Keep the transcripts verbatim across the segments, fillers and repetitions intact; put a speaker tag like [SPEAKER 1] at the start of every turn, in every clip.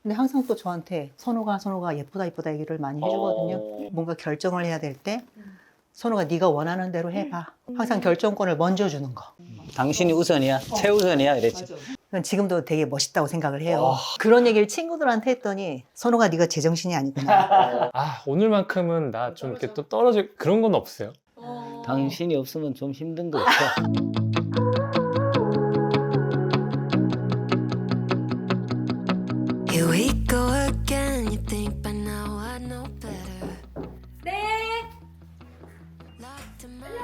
[SPEAKER 1] 근데 항상 또 저한테 선호가 선호가 예쁘다 예쁘다 얘기를 많이 해주거든요.
[SPEAKER 2] 어.
[SPEAKER 1] 뭔가 결정을 해야 될 때 선호가 네가 원하는 대로 해봐. 항상 결정권을 먼저 주는 거.
[SPEAKER 3] 당신이 우선이야, 최우선이야 이랬지.
[SPEAKER 1] 그건 지금도 되게 멋있다고 생각을 해요.
[SPEAKER 2] 와.
[SPEAKER 1] 그런 얘기를 친구들한테 했더니 선호가 네가 제정신이 아니구나.
[SPEAKER 2] 아, 오늘만큼은 나 좀 이렇게 또 떨어질 그런 건 없어요.
[SPEAKER 3] 당신이 없으면 좀 힘든 거 없어.
[SPEAKER 4] Here we go again. You think by now I know better.
[SPEAKER 5] 네.
[SPEAKER 4] Locked in my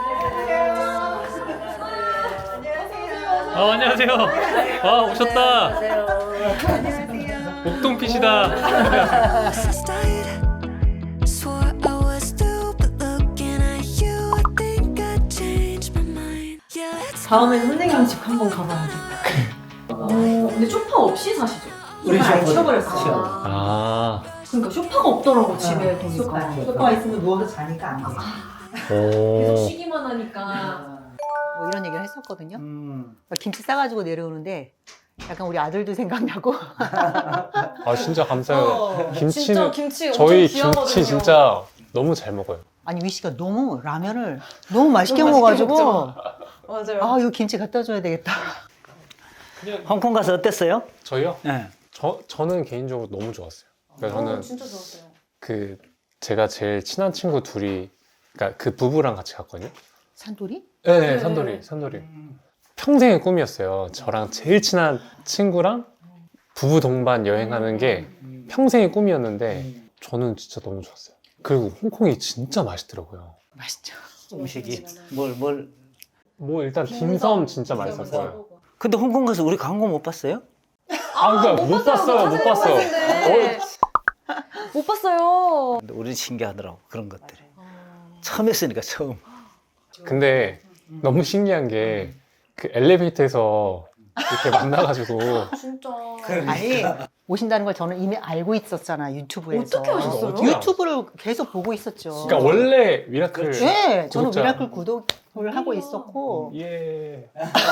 [SPEAKER 2] 아, 안녕하세요. 와, 오셨다. 옥동핏이다.
[SPEAKER 4] Since died, swore I was through, but looking at you, I think I changed my mind. Yeah, let's
[SPEAKER 5] 다음에는 선생님 집 한번 가봐야겠다. 어, 근데 쇼파 없이 사시죠?
[SPEAKER 1] 우리
[SPEAKER 5] 아예
[SPEAKER 1] 쇼파
[SPEAKER 5] 치워버렸어요.
[SPEAKER 1] 치워.
[SPEAKER 2] 아,
[SPEAKER 5] 그러니까 쇼파가 없더라고 집에 보니까.
[SPEAKER 1] 소파. 소파가 있으면 누워서 자니까 안 돼.
[SPEAKER 5] 계속
[SPEAKER 2] 오.
[SPEAKER 5] 쉬기만 하니까.
[SPEAKER 1] 뭐 이런 얘기를 했었거든요.
[SPEAKER 3] 음.
[SPEAKER 1] 김치 싸가지고 내려오는데 약간 우리 아들도 생각나고.
[SPEAKER 2] 아, 진짜 감사해요.
[SPEAKER 5] 어, 진짜
[SPEAKER 2] 김치는
[SPEAKER 5] 김치
[SPEAKER 2] 저희
[SPEAKER 5] 엄청 귀하거든요.
[SPEAKER 2] 김치 진짜 너무 잘 먹어요.
[SPEAKER 1] 아니 위씨가 너무 라면을 너무 맛있게
[SPEAKER 5] 너무 맛있게
[SPEAKER 1] 먹어가지고
[SPEAKER 5] 맞아요.
[SPEAKER 1] 아 이거 김치 갖다 줘야 되겠다.
[SPEAKER 3] 홍콩 가서 어땠어요?
[SPEAKER 2] 저희요?
[SPEAKER 3] 네.
[SPEAKER 2] 저 저는 개인적으로 너무 좋았어요. 그러니까 저는
[SPEAKER 5] 진짜 좋았어요.
[SPEAKER 2] 그 제가 제일 친한 친구 둘이, 그러니까 그 부부랑 같이 갔거든요.
[SPEAKER 1] 산돌이?
[SPEAKER 2] 네,
[SPEAKER 5] 네.
[SPEAKER 2] 산돌이, 산돌이. 평생의 꿈이었어요. 저랑 제일 친한 친구랑 부부 동반 여행하는 게 평생의 꿈이었는데 저는 진짜 너무 좋았어요. 그리고 홍콩이 진짜 맛있더라고요.
[SPEAKER 1] 맛있죠.
[SPEAKER 3] 음식이 뭘 뭘.
[SPEAKER 2] 뭐 일단 딤섬 진짜 맛있었어요.
[SPEAKER 3] 근데 홍콩 가서 우리 광고 못 봤어요?
[SPEAKER 2] 아, 그러니까 못 봤어요, 못 봤어요. 어,
[SPEAKER 5] 못 봤어요.
[SPEAKER 3] 근데 우리 신기하더라고 그런 것들이. 처음 했으니까 처음.
[SPEAKER 2] 근데 너무 신기한 게 그 엘리베이터에서 이렇게 만나가지고
[SPEAKER 5] 진짜.
[SPEAKER 1] 아니 오신다는 걸 저는 이미 알고 있었잖아 유튜브에서.
[SPEAKER 5] 어떻게 아셨어요?
[SPEAKER 2] 어떻게
[SPEAKER 1] 유튜브를 계속 보고 있었죠.
[SPEAKER 2] 그러니까 원래 미라클
[SPEAKER 1] 네, 저는
[SPEAKER 2] 구독자.
[SPEAKER 1] 미라클 구독을 하고 있었고
[SPEAKER 2] 예.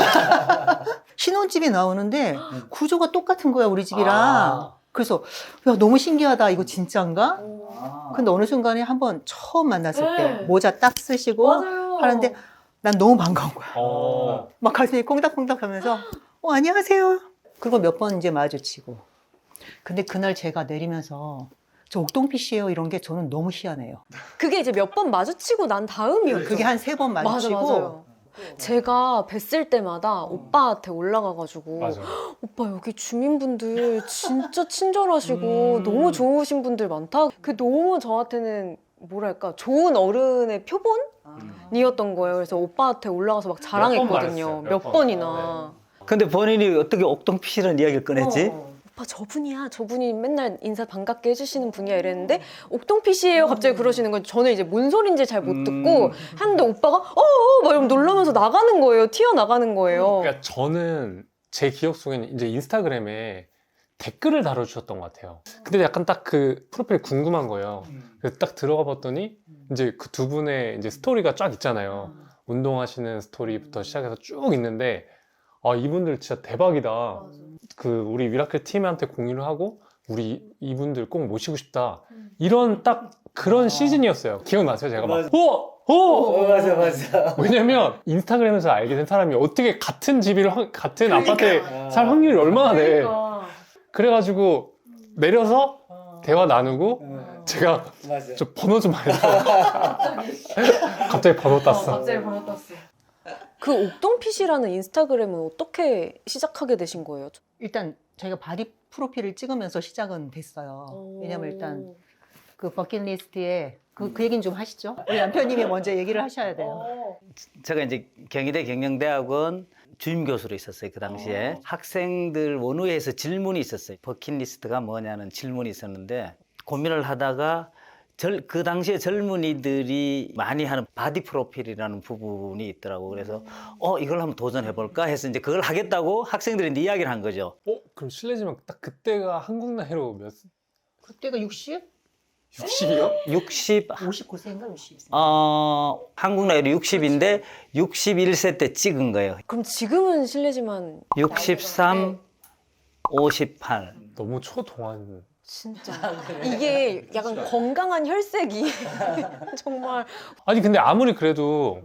[SPEAKER 1] 신혼집이 나오는데 구조가 똑같은 거야 우리 집이랑.
[SPEAKER 2] 아.
[SPEAKER 1] 그래서 야 너무 신기하다 이거 진짜인가?
[SPEAKER 3] 아.
[SPEAKER 1] 근데 어느 순간에 한번 처음 만났을
[SPEAKER 5] 네.
[SPEAKER 1] 때 모자 딱 쓰시고
[SPEAKER 5] 맞아요.
[SPEAKER 1] 하는데 난 너무 반가운 거야.
[SPEAKER 2] 어.
[SPEAKER 1] 막 가슴이 콩닥콩닥 하면서 어 안녕하세요. 그리고 몇 번 이제 마주치고. 근데 그날 제가 내리면서 저 옥동핏이에요 이런 게 저는 너무 희한해요.
[SPEAKER 6] 그게 이제 몇 번 마주치고 난 다음이었죠.
[SPEAKER 1] 그게 한 세 번
[SPEAKER 6] 맞아,
[SPEAKER 1] 마주치고
[SPEAKER 6] 맞아요. 제가 뵀을 때마다 오빠한테 올라가가지고
[SPEAKER 2] 맞아.
[SPEAKER 6] 오빠 여기 주민분들 진짜 친절하시고
[SPEAKER 2] 음.
[SPEAKER 6] 너무 좋으신 분들 많다. 그 너무 저한테는 뭐랄까 좋은 어른의 표본이었던 거예요. 그래서 오빠한테 올라가서 막 자랑했거든요.
[SPEAKER 2] 말했어요,
[SPEAKER 6] 몇,
[SPEAKER 2] 몇 번.
[SPEAKER 6] 번이나.
[SPEAKER 3] 근데 본인이 어떻게 옥동핏이라는 이야기를 꺼냈지?
[SPEAKER 5] 어.
[SPEAKER 6] 오빠 저분이야. 저분이 맨날 인사 반갑게 해주시는 분이야 이랬는데 옥동핏이에요 갑자기 그러시는 건 저는 이제 뭔 소린지 잘 못 듣고
[SPEAKER 3] 음.
[SPEAKER 6] 하는데 오빠가 어어 막 이러면 놀라면서 나가는 거예요. 튀어나가는 거예요.
[SPEAKER 2] 그러니까 저는 제 기억 속에는 이제 인스타그램에 댓글을 달아주셨던 것 같아요. 근데 약간 딱 그 프로필 궁금한 거예요. 그래서 딱 들어가 봤더니 이제 그 두 분의 이제 스토리가 쫙 있잖아요. 운동하시는 스토리부터 시작해서 쭉 있는데 아 이분들 진짜 대박이다. 그 우리 미라클 팀한테 공유를 하고 우리 이분들 꼭 모시고 싶다. 이런 딱 그런 시즌이었어요. 기억나세요? 제가 막 어! 어!
[SPEAKER 3] 맞아 맞아.
[SPEAKER 2] 왜냐면 인스타그램에서 알게 된 사람이 어떻게 같은 집을 확- 같은 아파트에 살 확률이 얼마나 돼.
[SPEAKER 5] 그러니까.
[SPEAKER 2] 그래가지고 내려서 대화 나누고 제가
[SPEAKER 3] 맞아.
[SPEAKER 2] 저 번호 좀 알려줘. 갑자기 번호
[SPEAKER 5] 어,
[SPEAKER 2] 땄어.
[SPEAKER 5] 갑자기 번호 땄어.
[SPEAKER 6] 그 옥동핏이라는 인스타그램은 어떻게 시작하게 되신 거예요?
[SPEAKER 1] 일단 저희가 바디 프로필을 찍으면서 시작은 됐어요. 왜냐면 일단 그 버킷리스트에 그, 그 얘기는 좀 하시죠. 우리 남편님이 먼저 얘기를 하셔야 돼요.
[SPEAKER 5] 어.
[SPEAKER 3] 제가 이제 경희대 경영대학원 주임 교수로 있었어요 그 당시에. 학생들 원우회에서 질문이 있었어요. 버킷리스트가 뭐냐는 질문이 있었는데 고민을 하다가 절, 그 당시에 젊은이들이 많이 하는 바디 프로필이라는 부분이 있더라고. 그래서 어 이걸 한번 도전해볼까 해서 이제 그걸 하겠다고 학생들이 이제 이야기를 한 거죠.
[SPEAKER 2] 어? 그럼 실례지만 딱 그때가 한국 나이로 몇?
[SPEAKER 1] 그때가 육십?
[SPEAKER 2] 육십이요?
[SPEAKER 3] 육십,
[SPEAKER 1] 오십구 세인가 육십 세?
[SPEAKER 3] 어, 한국 나이로 육십인데 육십일 세 때 찍은 거예요.
[SPEAKER 6] 그럼 지금은 실례지만
[SPEAKER 3] 육십삼, 오십팔.
[SPEAKER 2] 너무 초동안.
[SPEAKER 6] 진짜 이게 약간 건강한 혈색이 정말
[SPEAKER 2] 아니 근데 아무리 그래도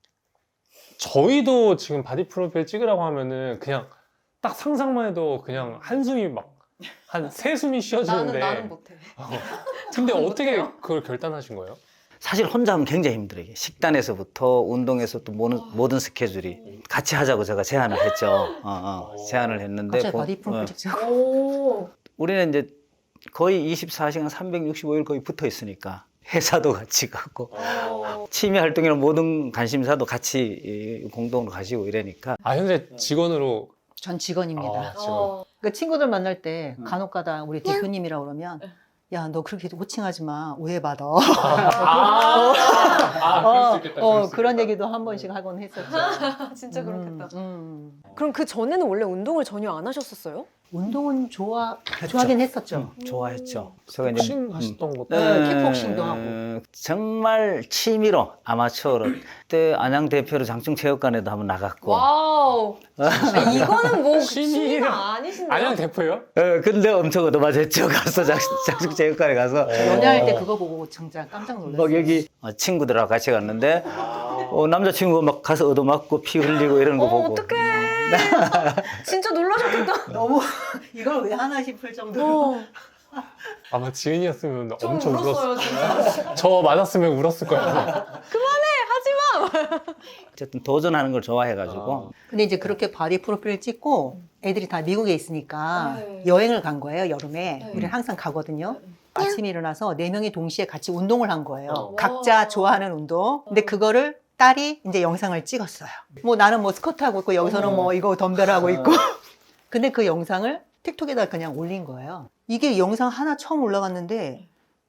[SPEAKER 2] 저희도 지금 바디 프로필 찍으라고 하면은 그냥 딱 상상만 해도 그냥 한숨이 막 한 세 숨이 쉬어지는데.
[SPEAKER 6] 나는 나는 못해.
[SPEAKER 2] 어. 근데
[SPEAKER 6] 저는
[SPEAKER 2] 어떻게
[SPEAKER 6] 못해요.
[SPEAKER 2] 그걸 결단하신 거예요?
[SPEAKER 3] 사실 혼자 하면 굉장히 힘들어요. 이게 식단에서부터 운동에서 또 모든, 모든 스케줄이 같이 하자고 제가 제안을 했죠. 어, 어, 제안을 했는데
[SPEAKER 1] 갑자기
[SPEAKER 3] 고-
[SPEAKER 1] 바디 프로필
[SPEAKER 3] 어,
[SPEAKER 1] 찍자고.
[SPEAKER 6] 오.
[SPEAKER 3] 우리는 이제 거의 이십사 시간 삼백육십오 일 거의 붙어 있으니까 회사도 같이 가고 취미 활동이나 모든 관심사도 같이 이, 공동으로 가시고 이러니까
[SPEAKER 2] 아 현재 직원으로.
[SPEAKER 1] 전 직원입니다.
[SPEAKER 2] 아, 직원.
[SPEAKER 6] 어.
[SPEAKER 1] 그 친구들 만날 때 간혹가다 우리 대표님이라고 그러면 야, 너 그렇게 호칭하지 마. 오해받아.
[SPEAKER 2] 아, 아, 그럴 수 있겠다.
[SPEAKER 1] 어,
[SPEAKER 2] 그럴 수
[SPEAKER 1] 그런
[SPEAKER 2] 있겠다.
[SPEAKER 1] 얘기도 한 번씩 하곤 했었죠.
[SPEAKER 6] 진짜 그렇겠다.
[SPEAKER 1] 음, 음.
[SPEAKER 6] 그럼 그 전에는 원래 운동을 전혀 안 하셨었어요?
[SPEAKER 1] 운동은 좋아, 좋아하긴 했었죠.
[SPEAKER 3] 음, 좋아했죠. 제가
[SPEAKER 2] 복싱 하셨던 것도.
[SPEAKER 1] 네, 킥복싱도 하고.
[SPEAKER 3] 음, 정말 취미로 아마추어로 그때 안양 대표로 장충체육관에도 한번 나갔고
[SPEAKER 6] 와우. 아, 이거는 뭐
[SPEAKER 2] 취미-
[SPEAKER 6] 취미가 아니신데요?
[SPEAKER 2] 안양 대표요?
[SPEAKER 3] 어, 근데 엄청 얻어맞았죠. 가서 장, 장충체육관에 가서
[SPEAKER 1] 연애할 때 그거 보고 진짜 깜짝 놀랐어요.
[SPEAKER 3] 막 여기 어, 친구들하고 같이 갔는데 어, 남자친구가 막 가서 얻어맞고 피 흘리고 이러는 거
[SPEAKER 6] 어,
[SPEAKER 3] 보고
[SPEAKER 6] 어떡해. 진짜 놀라셨겠다.
[SPEAKER 1] 너무 이걸 왜 하나 싶을 정도로.
[SPEAKER 6] 어,
[SPEAKER 2] 아마 지은이었으면
[SPEAKER 6] 좀
[SPEAKER 2] 엄청 울었을.
[SPEAKER 6] 울었어요, 진짜.
[SPEAKER 2] 저 맞았으면 울었을 거예요.
[SPEAKER 3] 어쨌든 도전하는 걸 좋아해가지고
[SPEAKER 1] 근데 이제 그렇게 바디 프로필을 찍고 애들이 다 미국에 있으니까
[SPEAKER 6] 네.
[SPEAKER 1] 여행을 간 거예요, 여름에.
[SPEAKER 6] 네.
[SPEAKER 1] 우리는 항상 가거든요. 아침에 일어나서 네 명이 동시에 같이 운동을 한 거예요.
[SPEAKER 2] 어.
[SPEAKER 1] 각자
[SPEAKER 6] 와.
[SPEAKER 1] 좋아하는 운동. 근데 그거를 딸이 이제 영상을 찍었어요. 뭐 나는 뭐 스쿼트 하고 있고 여기서는 뭐 이거 덤벨하고 있고. 근데 그 영상을 틱톡에다 그냥 올린 거예요. 이게 영상 하나 처음 올라갔는데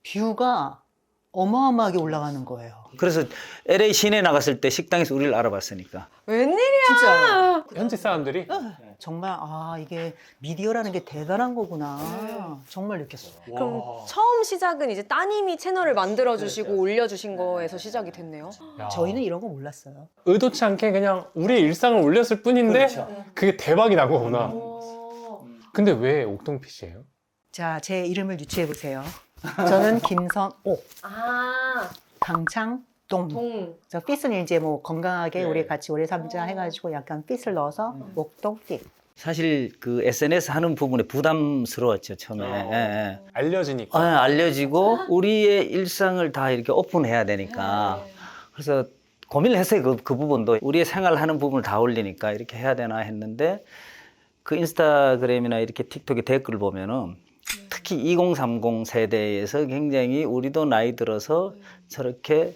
[SPEAKER 1] 뷰가 어마어마하게 올라가는 거예요.
[SPEAKER 3] 그래서 엘에이 시내 나갔을 때 식당에서 우리를 알아봤으니까
[SPEAKER 6] 웬일이야.
[SPEAKER 1] 진짜
[SPEAKER 2] 현지 사람들이.
[SPEAKER 1] 정말 아 이게 미디어라는 게 대단한 거구나 정말 느꼈어요.
[SPEAKER 6] 그럼
[SPEAKER 2] 와.
[SPEAKER 6] 처음 시작은 이제 따님이 채널을 만들어주시고 올려주신 거에서 시작이 됐네요.
[SPEAKER 2] 야.
[SPEAKER 1] 저희는 이런 거 몰랐어요.
[SPEAKER 2] 의도치 않게 그냥 우리의 일상을 올렸을 뿐인데 그게 대박이 난 거구나.
[SPEAKER 6] 오.
[SPEAKER 2] 근데 왜 옥동핏이에요?
[SPEAKER 1] 자, 제 이름을 유추해 보세요. 저는 김선옥,
[SPEAKER 6] 아,
[SPEAKER 1] 강창동.
[SPEAKER 6] 동.
[SPEAKER 1] 저 핏은 이제 뭐 건강하게
[SPEAKER 2] 네.
[SPEAKER 1] 우리 같이 오래 삼자 해가지고 약간 핏을 넣어서 옥동 핏.
[SPEAKER 3] 사실 그 에스엔에스 하는 부분에 부담스러웠죠 처음에. 예, 예.
[SPEAKER 2] 알려지니까.
[SPEAKER 3] 아, 알려지고 우리의 일상을 다 이렇게 오픈해야 되니까 그래서 고민을 했어요. 그, 그 부분도 우리의 생활하는 부분을 다 올리니까 이렇게 해야 되나 했는데 그 인스타그램이나 이렇게 틱톡에 댓글을 보면은 특히 이공삼공 세대에서 굉장히 우리도 나이 들어서 저렇게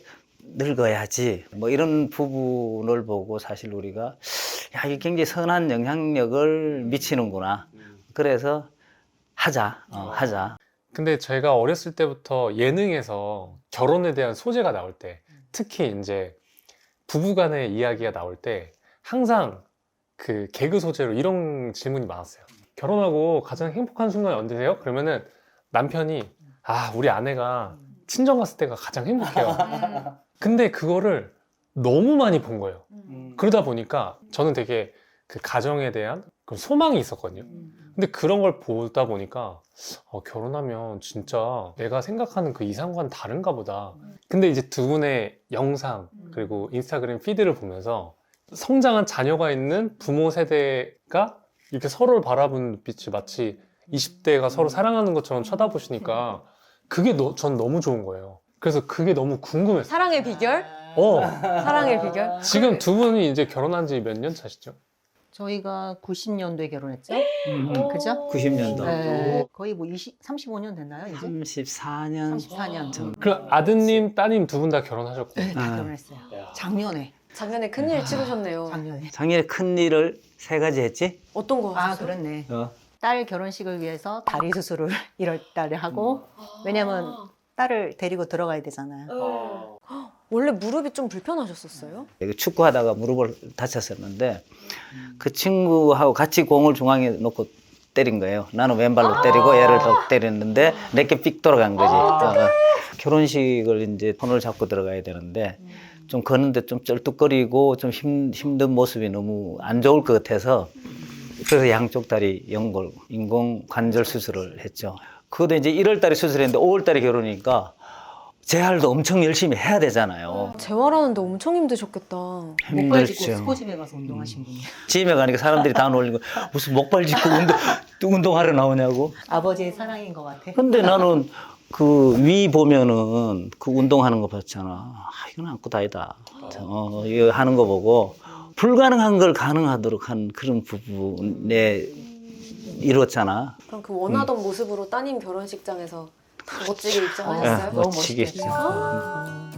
[SPEAKER 3] 늙어야지 뭐 이런 부분을 보고 사실 우리가 야 이게 굉장히 선한 영향력을 미치는구나. 그래서 하자, 어, 하자.
[SPEAKER 2] 근데 제가 어렸을 때부터 예능에서 결혼에 대한 소재가 나올 때, 특히 이제 부부간의 이야기가 나올 때 항상 그 개그 소재로 이런 질문이 많았어요. 결혼하고 가장 행복한 순간이 언제세요? 그러면은 남편이 아 우리 아내가 친정 갔을 때가 가장 행복해요. 근데 그거를 너무 많이 본 거예요. 그러다 보니까 저는 되게 그 가정에 대한 그런 소망이 있었거든요. 근데 그런 걸 보다 보니까 어, 결혼하면 진짜 내가 생각하는 그 이상과는 다른가 보다. 근데 이제 두 분의 영상 그리고 인스타그램 피드를 보면서 성장한 자녀가 있는 부모 세대가 이렇게 서로를 바라보는 눈빛이 마치 이십 대가 서로 사랑하는 것처럼 쳐다보시니까 그게 너, 전 너무 좋은 거예요. 그래서 그게 너무 궁금했어요.
[SPEAKER 6] 사랑의 비결?
[SPEAKER 2] 어,
[SPEAKER 6] 사랑의 비결?
[SPEAKER 2] 지금 두 분이 이제 결혼한 지 몇 년 차시죠?
[SPEAKER 1] 저희가 구십 년도에 결혼했죠?
[SPEAKER 6] 오.
[SPEAKER 1] 그죠?
[SPEAKER 3] 구십 년도.
[SPEAKER 1] 네, 거의 뭐 이십, 삼십오 년 됐나요? 이제?
[SPEAKER 3] 삼십사 년.
[SPEAKER 1] 삼십사 년.
[SPEAKER 2] 그럼 아드님, 따님 두 분 다 결혼하셨고.
[SPEAKER 1] 네, 다
[SPEAKER 3] 아.
[SPEAKER 1] 결혼했어요. 작년에.
[SPEAKER 6] 작년에 큰일 치르셨네요.
[SPEAKER 1] 작년에.
[SPEAKER 3] 작년에 큰 일을 세 가지 했지?
[SPEAKER 6] 어떤 거
[SPEAKER 1] 아,
[SPEAKER 6] 하셨어요?
[SPEAKER 1] 그렇네.
[SPEAKER 3] 어.
[SPEAKER 1] 딸 결혼식을 위해서 다리 수술을 일월 달에 하고, 왜냐면 딸을 데리고 들어가야 되잖아요.
[SPEAKER 6] 어. 원래 무릎이 좀 불편하셨었어요?
[SPEAKER 3] 축구하다가 무릎을 다쳤었는데 그 친구하고 같이 공을 중앙에 놓고 때린 거예요. 나는 왼발로 때리고 얘를 더 때렸는데 내게 삑 돌아간 거지. 어, 결혼식을 이제 손을 잡고 들어가야 되는데 좀 걷는데 좀 쩔뚝거리고 좀 힘, 힘든 모습이 너무 안 좋을 것 같아서 그래서 양쪽 다리 연골 인공 관절 수술을 했죠. 그것도 이제 일월 달에 수술했는데 오월 달에 결혼이니까 재활도 엄청 열심히 해야 되잖아요.
[SPEAKER 6] 재활하는데 엄청 힘드셨겠다.
[SPEAKER 1] 목발 짚고
[SPEAKER 3] 힘들죠.
[SPEAKER 1] 스포츠에 가서 운동하신 분이.
[SPEAKER 3] 집에 가니까 사람들이 다 놀리고 무슨 목발 짚고 운동, 운동하러 나오냐고.
[SPEAKER 1] 아버지의 사랑인 것 같아.
[SPEAKER 3] 근데 나는 그 위 보면은 그 운동하는 거 봤잖아. 아, 이건 아무것도 아니다. 어, 이거 하는 거 보고 불가능한 걸 가능하도록 한 그런 부분에 이뤘잖아.
[SPEAKER 6] 그럼 그 원하던 모습으로 따님 결혼식장에서 멋지게 입장하셨어요?
[SPEAKER 3] 네,
[SPEAKER 1] 너무
[SPEAKER 3] 멋지게
[SPEAKER 1] 멋있겠다.
[SPEAKER 3] 했죠.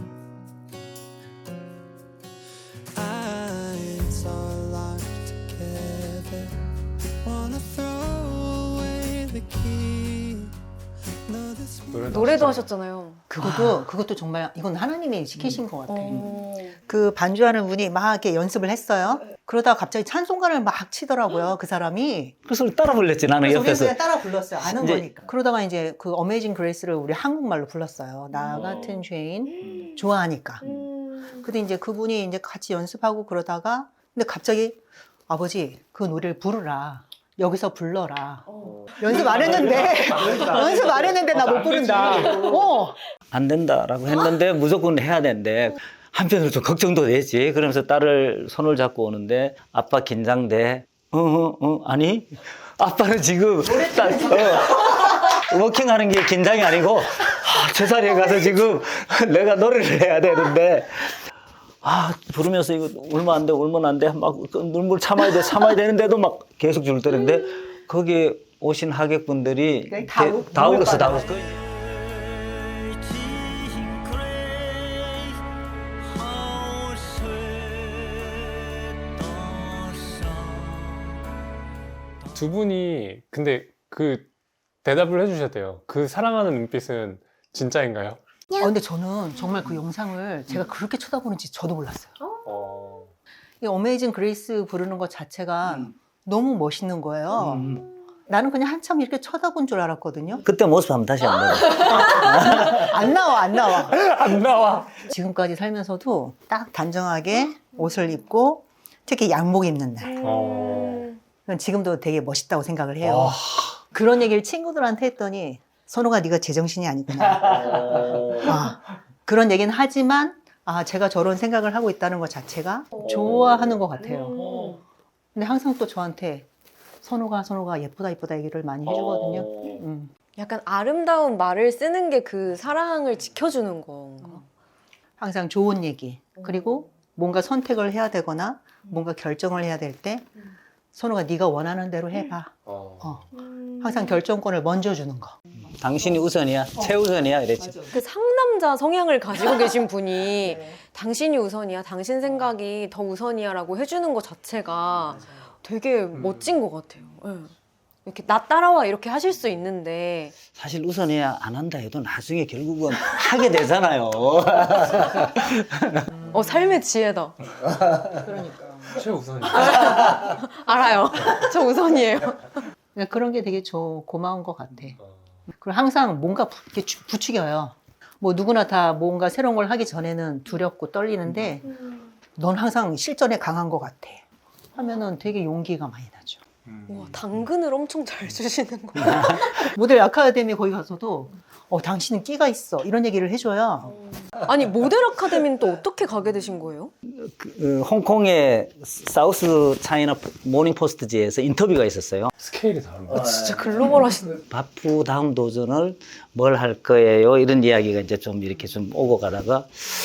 [SPEAKER 7] Eyes are locked together. Wanna throw away the key. No, this
[SPEAKER 6] 노래도 하셨잖아요.
[SPEAKER 1] 그것도 그것도 정말 이건 하나님이 시키신 것 같아.
[SPEAKER 6] 어...
[SPEAKER 1] 그 반주하는 분이 막 이렇게 연습을 했어요. 그러다가 갑자기 찬송가를 막 치더라고요. 그 사람이.
[SPEAKER 3] 그래서 따라 불렀지 나는
[SPEAKER 1] 그래서 우리
[SPEAKER 3] 옆에서.
[SPEAKER 1] 그냥 따라 불렀어요. 아는
[SPEAKER 3] 이제-
[SPEAKER 1] 거니까. 그러다가 이제 그 어메이징 그레이스를 우리 한국말로 불렀어요. 나 같은 죄인 좋아하니까.
[SPEAKER 6] 음...
[SPEAKER 1] 근데 이제 그분이 이제 같이 연습하고 그러다가 근데 갑자기 아버지 그 노래를 부르라. 여기서 불러라.
[SPEAKER 6] 어.
[SPEAKER 1] 연습 안 했는데 연습 안 했는데 나 못 부른다. 어.
[SPEAKER 3] 안 된다라고 했는데 무조건 해야 된대. 한편으로 좀 걱정도 되지. 그러면서 딸을 손을 잡고 오는데 아빠 긴장돼. 어, 어, 어, 아니? 아빠는 지금 딸, 어, 워킹하는 게 긴장이 아니고 아, 제자리에 가서 지금 내가 노래를 해야 되는데 아 부르면서 이거 울면 안 돼, 울면 안 돼. 막 눈물 참아야 돼, 참아야 되는데도 막 계속 줄 때는데 거기에 오신 하객분들이
[SPEAKER 1] 다
[SPEAKER 3] 대-
[SPEAKER 1] 울-
[SPEAKER 3] 다
[SPEAKER 1] 눈물
[SPEAKER 3] 울었어, 다
[SPEAKER 1] 빠져요.
[SPEAKER 3] 울었어.
[SPEAKER 2] 두 분이 근데 그 대답을 해주셨대요. 그 사랑하는 눈빛은 진짜인가요?
[SPEAKER 1] 어, 근데 저는 정말 그 영상을 제가 그렇게 쳐다보는지 저도 몰랐어요.
[SPEAKER 2] 어...
[SPEAKER 1] 이 어메이징 그레이스 부르는 것 자체가 너무 멋있는 거예요.
[SPEAKER 3] 음.
[SPEAKER 1] 나는 그냥 한참 이렇게 쳐다본 줄 알았거든요.
[SPEAKER 3] 그때 모습 한번 다시 안 보고.
[SPEAKER 1] 안 나와, 안 나와.
[SPEAKER 2] 안 나와.
[SPEAKER 1] 지금까지 살면서도 딱 단정하게 옷을 입고 특히 양복 입는 날.
[SPEAKER 2] 어...
[SPEAKER 1] 그건 지금도 되게 멋있다고 생각을 해요.
[SPEAKER 2] 와.
[SPEAKER 1] 그런 얘기를 친구들한테 했더니 선호가 네가 제정신이 아니구나. 아, 그런 얘기는 하지만 아, 제가 저런 생각을 하고 있다는 것 자체가 좋아하는 것 같아요. 근데 항상 또 저한테 선호가 선호가 예쁘다 예쁘다 얘기를 많이 해주거든요. 음.
[SPEAKER 6] 약간 아름다운 말을 쓰는 게 그 사랑을 지켜주는 건가?
[SPEAKER 1] 항상 좋은 얘기 그리고 뭔가 선택을 해야 되거나 뭔가 결정을 해야 될 때 선호가 네가 원하는 대로 해봐.
[SPEAKER 2] 어...
[SPEAKER 1] 어. 항상 결정권을 먼저 주는 거.
[SPEAKER 3] 당신이 우선이야, 최우선이야 이랬지.
[SPEAKER 6] 그 상남자 성향을 가지고 계신 분이 당신이 우선이야, 당신 생각이 더 우선이야라고 해주는 것 자체가 되게 멋진 것 같아요. 예. 이렇게 나 따라와 이렇게 하실 수 있는데
[SPEAKER 3] 사실 우선이야 안 한다 해도 나중에 결국은 하게 되잖아요.
[SPEAKER 6] 어 삶의 지혜다.
[SPEAKER 1] 그러니까.
[SPEAKER 2] 최우선이.
[SPEAKER 6] 알아요. 저 우선이에요.
[SPEAKER 1] 그러니까 그런 게 되게 저 고마운 것 같아. 그리고 항상 뭔가 부, 이렇게 주- 부추겨요. 뭐 누구나 다 뭔가 새로운 걸 하기 전에는 두렵고 떨리는데 넌 항상 실전에 강한 것 같아. 하면은 되게 용기가 많이 나죠.
[SPEAKER 6] 와, 당근을 엄청 잘 주시는 거.
[SPEAKER 1] 모델 아카데미 거기 가서도 어, 당신은 끼가 있어. 이런 얘기를 해줘요.
[SPEAKER 6] 아니 모델 아카데미는 또 어떻게 가게 되신 거예요?
[SPEAKER 3] 그, 홍콩의 사우스 차이나 모닝 포스트지에서 인터뷰가 있었어요.
[SPEAKER 2] 스케일이 다릅니다.
[SPEAKER 6] 진짜 글로벌하신.
[SPEAKER 3] 바프 다음 도전을 뭘 할 거예요? 이런 이야기가 이제 좀 이렇게 좀 오고 가다가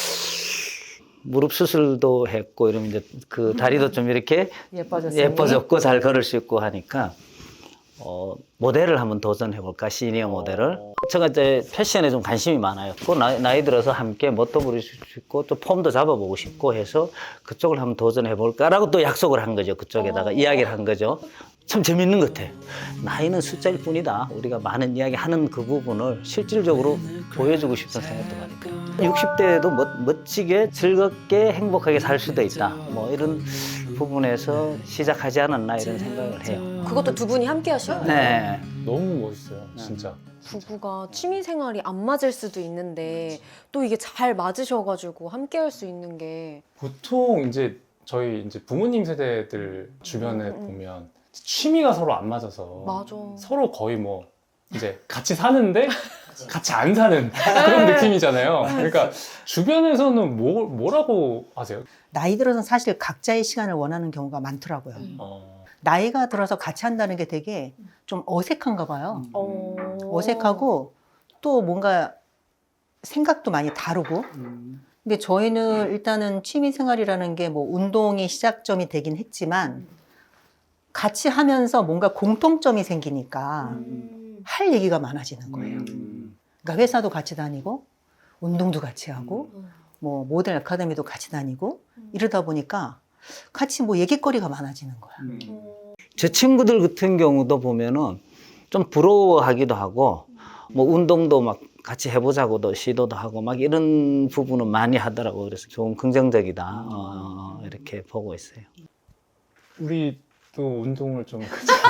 [SPEAKER 3] 무릎 수술도 했고 이러면 이제 그 다리도 좀 이렇게
[SPEAKER 1] 예뻐졌어요.
[SPEAKER 3] 예뻐졌고 잘 걸을 수 있고 하니까 어, 모델을 한번 도전해 볼까 시니어 모델을. 제가 이제 패션에 좀 관심이 많아요. 또 나이, 나이 들어서 함께 멋도 부릴 수 있고 또 폼도 잡아보고 싶고 해서 그쪽을 한번 도전해 볼까라고 또 약속을 한 거죠. 그쪽에다가 이야기를 한 거죠. 참 재밌는 것 같아. 나이는 숫자일 뿐이다. 우리가 많은 이야기 하는 그 부분을 실질적으로 보여주고 싶은 생각도 많이 들어요. 육십 대에도 멋, 멋지게 즐겁게 행복하게 살 수도 있다. 뭐 이런 부분에서 시작하지 않았나 이런 생각을 해요.
[SPEAKER 6] 그것도 두 분이 함께 하시는 거예요?
[SPEAKER 3] 네.
[SPEAKER 2] 너무 멋있어요, 진짜.
[SPEAKER 6] 부부가 취미 생활이 안 맞을 수도 있는데 또 이게 잘 맞으셔가지고 함께 할 수 있는 게
[SPEAKER 2] 보통 이제 저희 이제 부모님 세대들 주변에
[SPEAKER 6] 음, 음.
[SPEAKER 2] 보면 취미가 서로 안 맞아서
[SPEAKER 6] 맞아.
[SPEAKER 2] 서로 거의 뭐 이제 같이 사는데 같이 안 사는 그런 느낌이잖아요. 그러니까 주변에서는 뭐, 뭐라고 하세요?
[SPEAKER 1] 나이 들어서 사실 각자의 시간을 원하는 경우가 많더라고요.
[SPEAKER 2] 어,
[SPEAKER 1] 나이가 들어서 같이 한다는 게 되게 좀 어색한가 봐요.
[SPEAKER 6] 어.
[SPEAKER 1] 어색하고 또 뭔가 생각도 많이 다르고. 근데 저희는 일단은 취미 생활이라는 게 뭐 운동이 시작점이 되긴 했지만 같이 하면서 뭔가 공통점이 생기니까 할 얘기가 많아지는 거예요. 그러니까 회사도 같이 다니고 운동도 같이 하고 뭐 모델 아카데미도 같이 다니고 이러다 보니까 같이 뭐 얘기거리가 많아지는 거야.
[SPEAKER 3] 제 친구들 같은 경우도 보면은 좀 부러워하기도 하고 뭐 운동도 막 같이 해보자고도 시도도 하고 막 이런 부분은 많이 하더라고. 그래서 좀 긍정적이다 어, 이렇게 보고 있어요.
[SPEAKER 2] 우리도 운동을 좀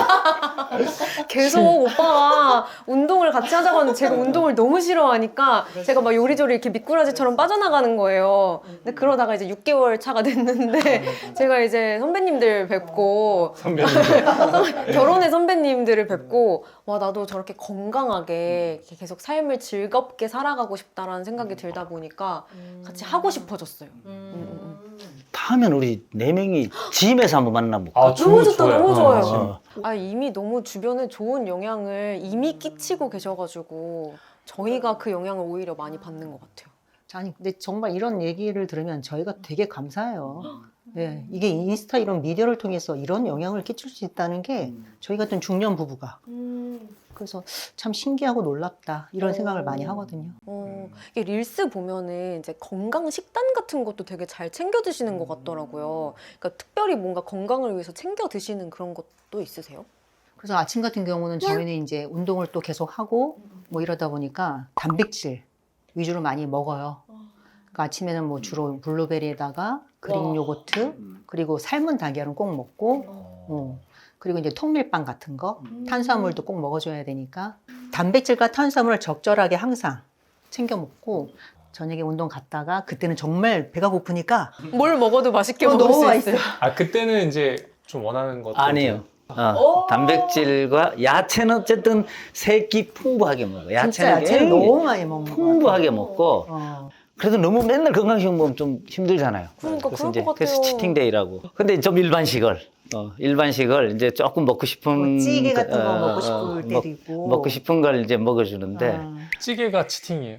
[SPEAKER 6] 계속 오빠가 운동을 같이 하자고 하는데 제가 운동을 너무 싫어하니까 제가 막 요리조리 이렇게 미꾸라지처럼 빠져나가는 거예요. 근데 그러다가 이제 육 개월 차가 됐는데 제가 이제 선배님들 뵙고
[SPEAKER 2] 선배님
[SPEAKER 6] 결혼의 선배님들을 뵙고 와 나도 저렇게 건강하게 이렇게 계속 삶을 즐겁게 살아가고 싶다라는 생각이 들다 보니까 같이 하고 싶어졌어요. 음, 음, 음.
[SPEAKER 3] 다음엔 우리 네 명이 짐에서 한번 만나볼까?
[SPEAKER 2] 아,
[SPEAKER 6] 너무 좋다,
[SPEAKER 2] 좋아요.
[SPEAKER 6] 너무 좋아요.
[SPEAKER 3] 어.
[SPEAKER 6] 아 이미 너무 주변에 좋은 영향을 이미 끼치고 계셔가지고 저희가 그 영향을 오히려 많이 받는 것 같아요.
[SPEAKER 1] 아니 근데 정말 이런 얘기를 들으면 저희가 되게 감사해요. 네, 이게 인스타 이런 미디어를 통해서 이런 영향을 끼칠 수 있다는 게 저희 같은 중년 부부가 그래서 참 신기하고 놀랍다 이런 생각을 많이 하거든요.
[SPEAKER 6] 어, 이게 릴스 보면은 이제 건강 식단 같은 것도 되게 잘 챙겨 드시는 것 같더라고요. 그러니까 특별히 뭔가 건강을 위해서 챙겨 드시는 그런 것도 있으세요?
[SPEAKER 1] 그래서 아침 같은 경우는 저희는 이제 운동을 또 계속 하고 뭐 이러다 보니까 단백질 위주로 많이 먹어요. 그러니까 아침에는 뭐 주로 블루베리에다가 그릭 요거트 그리고 삶은 달걀은 꼭 먹고 어. 그리고 이제 통밀빵 같은 거 탄수화물도 꼭 먹어줘야 되니까 단백질과 탄수화물을 적절하게 항상 챙겨 먹고 저녁에 운동 갔다가 그때는 정말 배가 고프니까
[SPEAKER 6] 뭘 먹어도 맛있게
[SPEAKER 1] 어,
[SPEAKER 6] 먹을
[SPEAKER 1] 너무
[SPEAKER 6] 수
[SPEAKER 1] 맛있어요.
[SPEAKER 6] 있어요.
[SPEAKER 2] 아 그때는 이제 좀 원하는 것도
[SPEAKER 3] 아니에요. 어, 단백질과 야채는 어쨌든 세 끼 풍부하게 먹어.
[SPEAKER 1] 진짜
[SPEAKER 3] 야채는
[SPEAKER 1] 야채를
[SPEAKER 3] 굉장히
[SPEAKER 1] 너무 많이 먹는 거
[SPEAKER 3] 풍부하게 먹고
[SPEAKER 1] 어.
[SPEAKER 3] 그래도 너무 맨날 건강식 먹으면 좀 힘들잖아요.
[SPEAKER 6] 그러니까
[SPEAKER 3] 그래서
[SPEAKER 6] 그럴 것
[SPEAKER 3] 그래서
[SPEAKER 6] 같아요.
[SPEAKER 3] 치팅데이라고. 근데 좀 일반식을 어, 일반식을 이제 조금 먹고 싶은
[SPEAKER 1] 뭐 찌개
[SPEAKER 3] 그,
[SPEAKER 1] 같은 거
[SPEAKER 3] 어,
[SPEAKER 1] 먹고
[SPEAKER 3] 어,
[SPEAKER 1] 싶을
[SPEAKER 3] 먹-
[SPEAKER 1] 때리고
[SPEAKER 3] 먹고 싶은 걸 이제 먹어주는데
[SPEAKER 1] 어.
[SPEAKER 2] 찌개가 치팅이에요.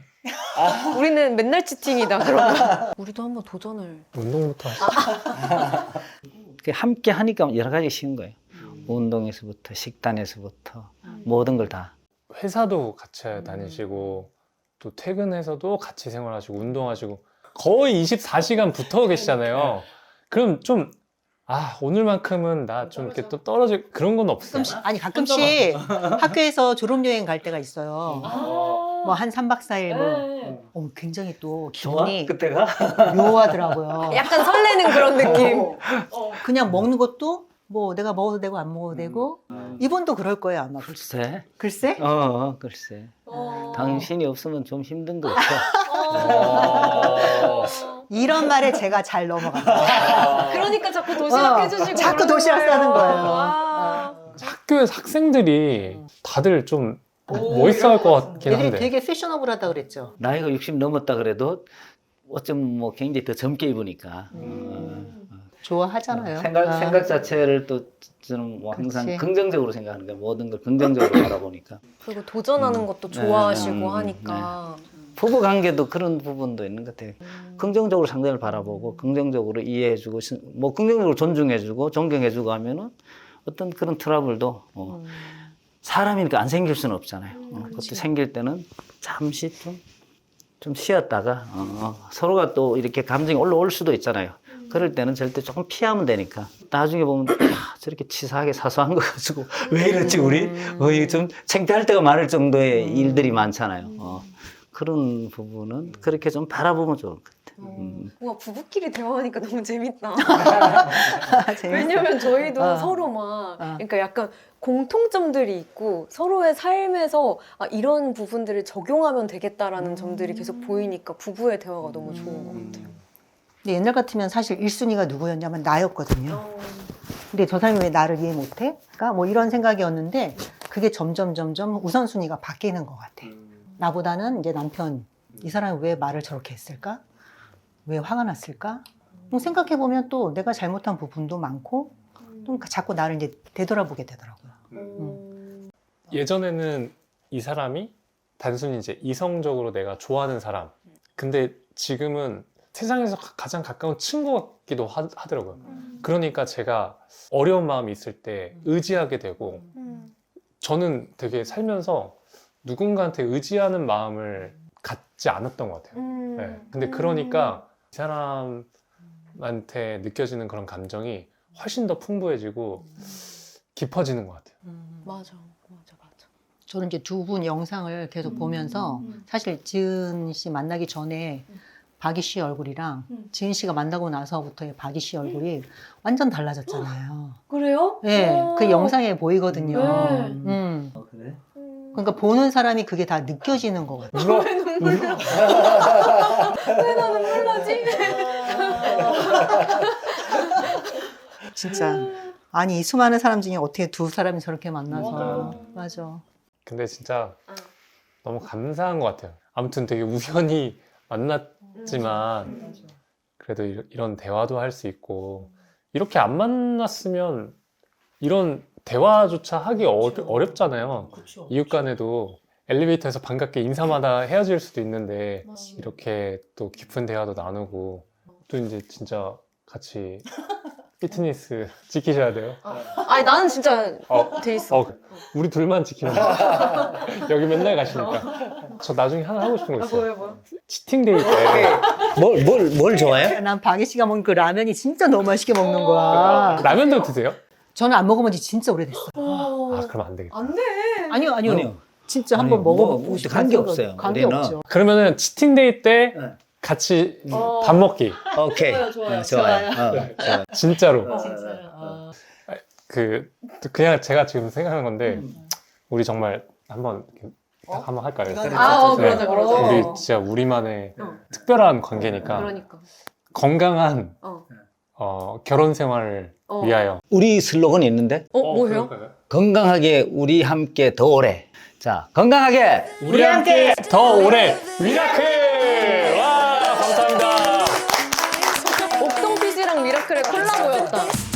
[SPEAKER 6] 우리는 맨날 치팅이다 그러면. 우리도 한번 도전을.
[SPEAKER 2] 운동부터 하시죠.
[SPEAKER 3] 그 함께 하니까 여러 가지 쉬운 거예요. 운동에서부터 식단에서부터 모든 걸 다.
[SPEAKER 2] 회사도 같이 다니시고 또 퇴근해서도 같이 생활하시고 운동하시고 거의 이십사 시간 붙어 계시잖아요. 그럼 좀 아 오늘만큼은 나 좀 이렇게 또 떨어질 그런 건 없어요?
[SPEAKER 1] 가끔씩 아니 가끔씩 학교에서 졸업여행 갈 때가 있어요. 뭐 한 삼 박 사 일 뭐 어, 굉장히 또 기분이
[SPEAKER 3] 그때가?
[SPEAKER 1] 묘하더라고요.
[SPEAKER 6] 약간 설레는 그런 느낌.
[SPEAKER 1] 그냥 먹는 것도 뭐 내가 먹어도 되고 안 먹어도 되고 이분도 그럴 거예요 아마.
[SPEAKER 3] 글쎄.
[SPEAKER 1] 글쎄?
[SPEAKER 3] 어, 어, 글쎄. 당신이 없으면 좀 힘든 거 같아.
[SPEAKER 1] 이런 말에 제가 잘 넘어갑니다.
[SPEAKER 6] 그러니까 자꾸 도시락
[SPEAKER 1] 어,
[SPEAKER 6] 해주시고.
[SPEAKER 1] 자꾸
[SPEAKER 6] 그러는
[SPEAKER 1] 도시락
[SPEAKER 6] 거예요.
[SPEAKER 1] 싸는 거예요.
[SPEAKER 6] 아.
[SPEAKER 2] 학교에서 학생들이 다들 좀 멋있어할 것 같긴
[SPEAKER 1] 되게,
[SPEAKER 2] 한데
[SPEAKER 1] 되게 패셔너블하다 그랬죠.
[SPEAKER 3] 나이가 육십 넘었다 그래도 어쩜 뭐 굉장히 더 젊게 입으니까.
[SPEAKER 1] 좋아하잖아요.
[SPEAKER 3] 생각,
[SPEAKER 1] 아.
[SPEAKER 3] 생각 자체를 또 저는 뭐 항상
[SPEAKER 1] 그치.
[SPEAKER 3] 긍정적으로 생각하는 거예요. 모든 걸 긍정적으로 바라보니까.
[SPEAKER 6] 그리고 도전하는
[SPEAKER 3] 음.
[SPEAKER 6] 것도 좋아하시고
[SPEAKER 3] 네, 음,
[SPEAKER 6] 하니까.
[SPEAKER 3] 부부 관계도 그런 부분도 있는 것 같아요. 긍정적으로 상대를 바라보고 긍정적으로 이해해주고 신- 뭐 긍정적으로 존중해주고 존경해주고 하면은 어떤 그런 트러블도 어,
[SPEAKER 6] 음.
[SPEAKER 3] 사람이니까 안 생길 수는 없잖아요. 어, 그것도 생길 때는 잠시 좀, 좀 쉬었다가 어, 어, 서로가 또 이렇게 감정이 올라올 수도 있잖아요. 그럴 때는 절대 조금 피하면 되니까 나중에 보면 야, 저렇게 치사하게 사소한 거 가지고 왜 이랬지 우리? 어, 이게 좀 창피할 때가 많을 정도의 일들이 많잖아요. 어, 그런 부분은 그렇게 좀 바라보면 좋을 것 같아요. 음.
[SPEAKER 6] 우와 부부끼리 대화하니까 너무 재밌다.
[SPEAKER 1] 재밌어.
[SPEAKER 6] 왜냐면 저희도
[SPEAKER 1] 어.
[SPEAKER 6] 서로 막
[SPEAKER 1] 어.
[SPEAKER 6] 그러니까 약간 공통점들이 있고 서로의 삶에서 아, 이런 부분들을 적용하면 되겠다라는 점들이 계속 보이니까 부부의 대화가 너무 좋은 것 같아요.
[SPEAKER 1] 근데 옛날 같으면 사실 일 순위가 누구였냐면 나였거든요. 근데 저 사람이 왜 나를 이해 못해? 그러니까 뭐 이런 생각이었는데 그게 점점 점점 우선순위가 바뀌는 것 같아. 나보다는 이제 남편, 이 사람이 왜 말을 저렇게 했을까? 왜 화가 났을까? 뭐 생각해보면 또 내가 잘못한 부분도 많고 또 자꾸 나를 이제 되돌아보게 되더라고요. 음.
[SPEAKER 2] 예전에는 이 사람이 단순히 이제 이성적으로 내가 좋아하는 사람. 근데 지금은 세상에서 가- 가장 가까운 친구 같기도 하, 하더라고요. 그러니까 제가 어려운 마음이 있을 때 의지하게 되고 저는 되게 살면서 누군가한테 의지하는 마음을 갖지 않았던 것 같아요. 네. 근데 그러니까 이 사람한테 느껴지는 그런 감정이 훨씬 더 풍부해지고 깊어지는 것 같아요.
[SPEAKER 6] 맞아, 맞아, 맞아.
[SPEAKER 1] 저는 이제 두 분 영상을 계속 보면서 사실 지은 씨 만나기 전에 박이 씨 얼굴이랑 지은 씨가 만나고 나서부터의 박이 씨 얼굴이 완전 달라졌잖아요.
[SPEAKER 6] 그래요?
[SPEAKER 1] 네,
[SPEAKER 6] 어.
[SPEAKER 1] 그 영상에 보이거든요.
[SPEAKER 6] 네.
[SPEAKER 1] 음.
[SPEAKER 3] 어, 그래?
[SPEAKER 1] 그러니까 보는 사람이 그게 다 느껴지는 것 같아요.
[SPEAKER 2] 울어?
[SPEAKER 6] 왜 눈물 나? 왜 나 눈물 나지?
[SPEAKER 1] 진짜. 아니, 이 수많은 사람 중에 어떻게 두 사람이 저렇게 만나서. 맞아.
[SPEAKER 2] 근데 진짜 너무 감사한 것 같아요. 아무튼 되게 우연히 만났지만 그래도 이- 이런 대화도 할 수 있고 이렇게 안 만났으면 이런 대화조차 하기 어, 어렵잖아요. 이웃 간에도 엘리베이터에서 반갑게 인사마다 헤어질 수도 있는데 이렇게 또 깊은 대화도 나누고 또 이제 진짜 같이 피트니스 지키셔야 돼요.
[SPEAKER 6] 아니 나는 진짜
[SPEAKER 2] 어,
[SPEAKER 6] 돼 있어.
[SPEAKER 2] 어, 우리 둘만 지키면 돼. 여기 맨날 가시니까. 저 나중에 하나 하고 싶은 거 있어요.
[SPEAKER 6] 뭐야?
[SPEAKER 2] 치팅 데이 때
[SPEAKER 3] 뭘, 뭘, 뭘 좋아해?
[SPEAKER 1] 난 박이 씨가 먹는 그 라면이 진짜 너무 맛있게 먹는 거야.
[SPEAKER 2] 라면도 드세요?
[SPEAKER 1] 저는 안 먹어본 지 진짜 오래됐어요.
[SPEAKER 2] 아, 그럼 안 되겠다.
[SPEAKER 6] 안 돼.
[SPEAKER 1] 아니요, 아니요.
[SPEAKER 3] 아니요.
[SPEAKER 1] 진짜
[SPEAKER 3] 아니요,
[SPEAKER 1] 한번
[SPEAKER 3] 뭐,
[SPEAKER 1] 먹어보고
[SPEAKER 3] 뭐,
[SPEAKER 1] 싶어요.
[SPEAKER 3] 관계 없어요.
[SPEAKER 1] 관계
[SPEAKER 3] 우리는.
[SPEAKER 1] 없죠.
[SPEAKER 2] 그러면은 치팅 데이 때
[SPEAKER 3] 네.
[SPEAKER 2] 같이
[SPEAKER 6] 어.
[SPEAKER 2] 밥 먹기.
[SPEAKER 3] 오케이.
[SPEAKER 6] 좋아요, 좋아요.
[SPEAKER 3] 어, 좋아요. 어, 좋아요.
[SPEAKER 2] 진짜로.
[SPEAKER 3] 어,
[SPEAKER 1] 진짜요? 아.
[SPEAKER 2] 그 그냥 제가 지금 생각하는 건데
[SPEAKER 1] 음.
[SPEAKER 2] 우리 정말 한번 이렇게 딱 한번 할까요?
[SPEAKER 1] 이거는
[SPEAKER 6] 아, 어,
[SPEAKER 2] 네.
[SPEAKER 6] 그러자, 그러자.
[SPEAKER 2] 우리
[SPEAKER 6] 어.
[SPEAKER 2] 진짜 우리만의
[SPEAKER 6] 어.
[SPEAKER 2] 특별한 관계니까
[SPEAKER 6] 그러니까.
[SPEAKER 2] 건강한
[SPEAKER 6] 어.
[SPEAKER 2] 어, 결혼 생활을
[SPEAKER 6] 어.
[SPEAKER 2] 위하여.
[SPEAKER 3] 우리 슬로건이 있는데
[SPEAKER 6] 어, 뭐예요?
[SPEAKER 3] 건강하게 우리 함께 더 오래. 자, 건강하게
[SPEAKER 2] 우리 함께 더 오래 미라클! 와, 감사합니다.
[SPEAKER 6] 옥동피지랑 미라클의 콜라보였다.